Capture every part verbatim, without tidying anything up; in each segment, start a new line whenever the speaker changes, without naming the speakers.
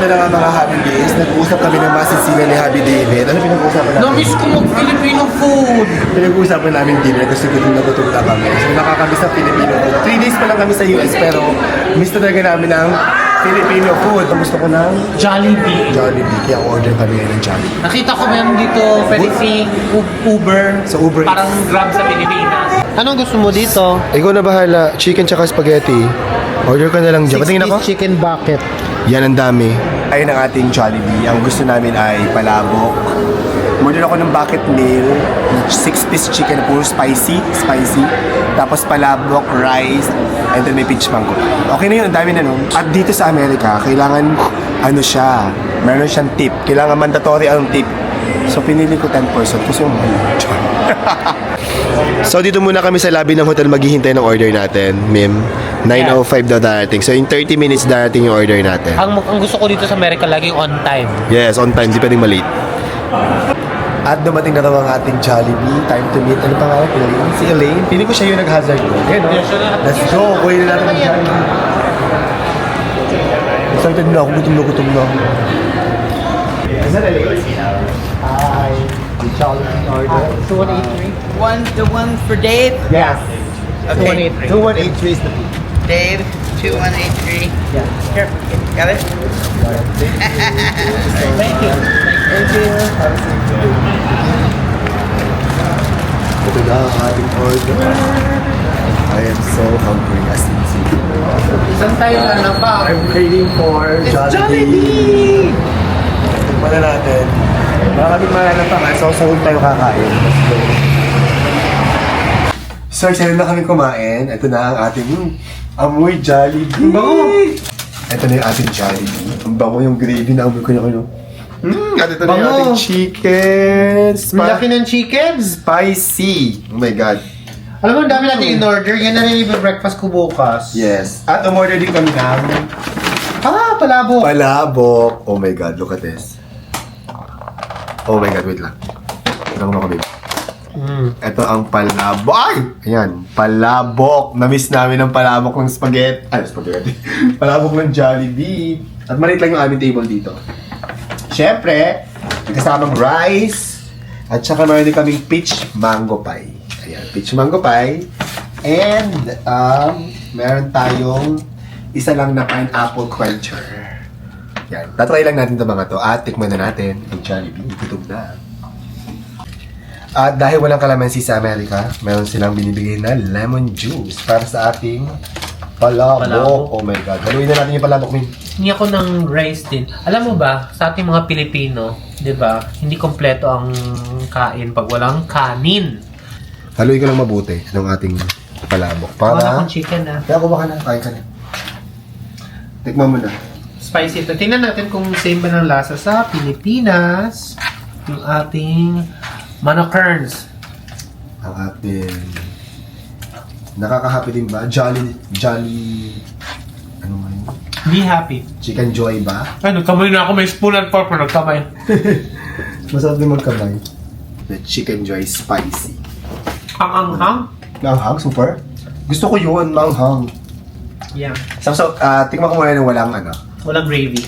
ito na nga mga Happy Days. Nag-uusap kami ng masisigan ni Happy David. Ano pinag-uusapan namin?
Na-miss ko mag-Filipino food!
Pinag-uusapan namin dinner kasi gutom na gutom na kami. So nakakamiss ng Filipino food. Three days pa lang kami sa U S pero miss talaga namin ng Filipino food. Gusto ko ng
Jollibee.
Jollibee. Kaya order kami ngayon ng Jollibee.
Nakita ko meron dito, pwede si Uber.
Sa Uber Eats.
Parang Grab sa Pilipinas. Anong gusto mo dito?
Ikaw na bahala. Chicken tsaka spaghetti. Order ka na lang dyan. Patingin ako.
chicken bucket.
Yan ang dami. Ayun ang ating Jollibee. Ang gusto namin ay palabok. Order ako ng bucket meal. Six-piece chicken, puro spicy. Spicy. Tapos palabok, rice, and then may peach mango. Okay na yun, ang dami na nun. At dito sa Amerika, kailangan, ano siya, meron siyang tip. Kailangan mandatory ang tip. So pinili ko ten percent kasi yung So dito muna kami sa lobby ng hotel maghihintay ng order natin, Mim. nine oh five daw darating. So in thirty minutes darating yung order natin.
Ang, ang gusto ko dito sa Amerika, laging on time.
Yes, on time, di pwedeng malate. At dumating na raw ang ating Jollibee. Time to meet. Ano pa nga? Elaine? Si Elaine. Pili ko siya yung nag-hazard ko. Ayan, no? Let's go. Kuhin na natin ang Jollibee. Excited na ako. Gutom na gutom na ako. Is that Elaine? Hi. The Jollibee order.
two one eight three?
One, the one for Dave.
Yes.
two one eight three.
two one eight three is the fee.
Dave, two one eight three.
Yeah.
Here, got it?
Thank you.
Thank you. Ito na ang ating order. I am so hungry as you see.
Saan tayo na pa?
I'm craving for Jollibee! Tignan na natin. Maraming malalap pa nga. So, sahod tayo kakain. Let's go. So, excited na kami kumain. Ito na ang ating mm, amoy Jollibee. Bango! Ito na yung ating Jollibee. Ang bango yung gravy na amoy ko na kayo. Mm, at ito na yung
Bango.
ating chicken.
Ang
Spi-
laki ng chicken.
spicy. Oh my God.
Alam mo, ang dami natin in-order. Yan na rin yung breakfast ko bukas.
Yes. At umorder din kami ng
Ah, palabo.
palabok. Oh my God, look at this. Oh my God, wait lang. Lang mo kami.
Mm.
Ito ang palabok. Ay! Ayan, palabok. Na-miss namin ng palabok ng spaghetti. Ay, spaghetti. Palabok ng Jollibee. At maliit lang yung aming table dito. Siyempre, may kasamang rice. At saka meron din kaming peach mango pie. Ayan, peach mango pie. And, um, meron tayong isa lang na pineapple cruncher. Yan. Tatry lang natin ito mga to. At tikman na natin ang Jollibee. Gutom na. At dahil walang kalamansi sa Amerika, meron silang binibigay na lemon juice para sa ating palabok.
Palabok.
Oh my God. Haluin na natin yung palabok, Min.
Hindi ako ng rice din. Alam mo ba, sa ating mga Pilipino, di ba, hindi kompleto ang kain pag walang kanin.
Haluin ko lang mabuti ng ating palabok.
Wala
Para...
akong chicken ah.
Kaya kumakan na. Kain ka na. Tikman mo na.
Spicy ito. Tingnan natin kung same ba ng lasa sa Pilipinas. Yung ating Manokerns.
Ang ating... Nakaka-happy din ba? Jolly... Jolly... Ano nga yun?
Be happy.
Chicken Joy ba?
Ay, nagkamay na ako. May spoon and fork na nagkamay.
Masarap din magkamay. The Chicken Joy Spicy.
Ang anghang.
Manghang, super. Gusto ko yun, manghang.
Yeah.
So, so uh, tingnan ko muna ng walang ano.
Walang gravy.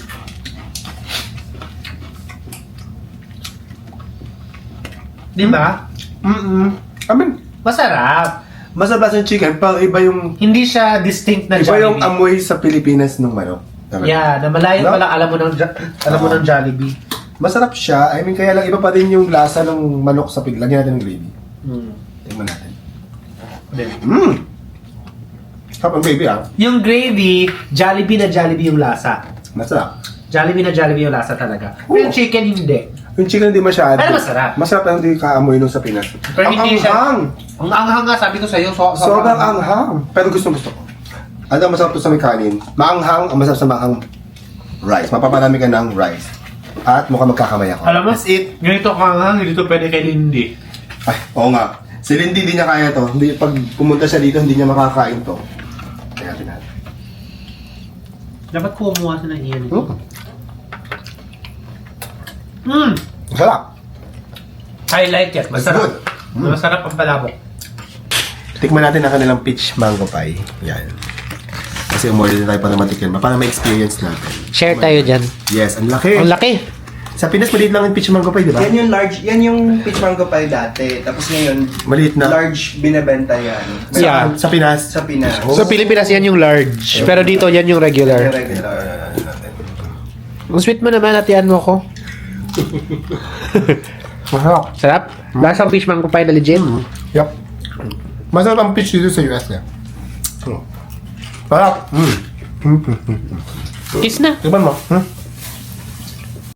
Di ba?
Mm-mm. I mean,
Masarap.
masarap yung chicken, pero iba yung...
Hindi siya distinct na
Iba yung
Jollibee.
amoy sa Pilipinas ng manok. Talaga.
Yeah, na malayo
No?
pala alam mo ng Jo- alam mo
Oo.
ng Jollibee.
Masarap siya. I mean, kaya lang iba pa din yung lasa ng manok sa pig. Lagyan natin ng gravy.
Hmm.
Tingnan natin.
Then,
Mmm! Sarap ang gravy ah.
yung gravy, Jollibee na Jollibee yung lasa.
Masarap.
Jollibee na Jollibee yung lasa talaga. Pero
Oo.
yung chicken hindi.
Yung chicken hindi masyado.
Pero masarap.
Masarap lang hindi kaamoy nung sa Pinas.
Pero
ang
hindi siya-
anghang!
Ang anghang nga sabi ko sa iyo, so, so,
Sobrang anghang. Pero gusto gusto ko. Ano ang masarap to sa may kanin? Maanghang, ang masarap sa maanghang rice. Mapaparami ka ng rice. At mukhang magkakamay ako.
Alam mo,
That's it.
ganito ka anghang, hindi to pwede kay Lindy.
Ay, oo nga. Si Lindy hindi niya kaya to. Hindi, pag pumunta siya dito, hindi niya makakain to. Kaya natin natin.
Dapat kumuha sa ng iyan.
Hmm.
Hmm.
Masarap.
I like it.
That's
Masarap.
good. Mm.
Masarap ang palabok.
Tikman natin ang kanilang peach mango pie. Yan. kasi umorder din tayo para matikin. Para ma-experience natin.
Share tayo dyan.
Yes, ang laki.
Ang laki.
Sa Pinas, maliit lang yung peach mango pie, di ba?
Yan yung large, yan yung peach mango pie dati. Tapos ngayon,
Maliit na.
large binebenta yan.
Sa,
Yeah.
sa Pinas.
Sa Pinas.
Oh.
Sa Pilipinas, yan yung large. Pero dito, yan yung
Yung
regular.
regular.
Ang sweet mo naman, hatian mo ko.
Masarap.
Sarap. Lasang fish mango pie na legit.
Yup. Masarap ang peach dito sa U S eh. Hmm. Sarap. Mm.
Kiss na.
Diba mo? Hmm?